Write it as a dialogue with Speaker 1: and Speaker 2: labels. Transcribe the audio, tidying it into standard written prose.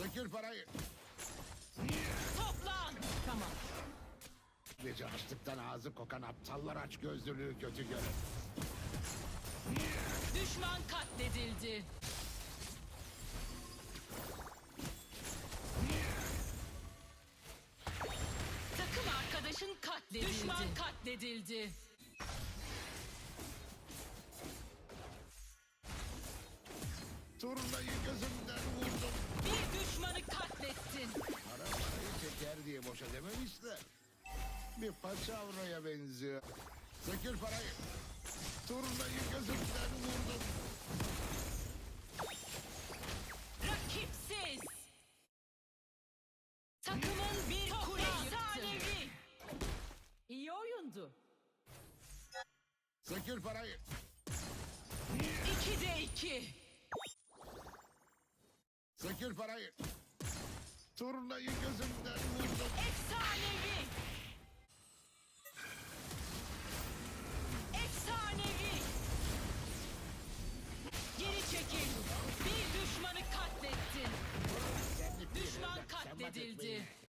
Speaker 1: Sökül parayı.
Speaker 2: Toplan. Tamam.
Speaker 1: Gece açlıktan ağzı kokan aptallar aç gözlülüğü kötü görür.
Speaker 2: Düşman katledildi. Takım arkadaşın katledildi. Düşman katledildi.
Speaker 1: Turnayı gözümden vurdum.
Speaker 2: Bir düşmanı katlettin.
Speaker 1: Para parayı çeker diye boşa dememişler. Bir paçavraya benziyor. Sökül parayı. Turnayı gözümden vurdum.
Speaker 2: Rakipsiz. Takımın bir kule efsanevi. İyi oyundu.
Speaker 1: Sökül parayı.
Speaker 2: 2'de 2.
Speaker 1: Sökül parayı. Turnayı gözümden vurdum.
Speaker 2: Efsanevi. Efsanevi. Geri çekil. Bir düşmanı katlettin. Düşman katledildi.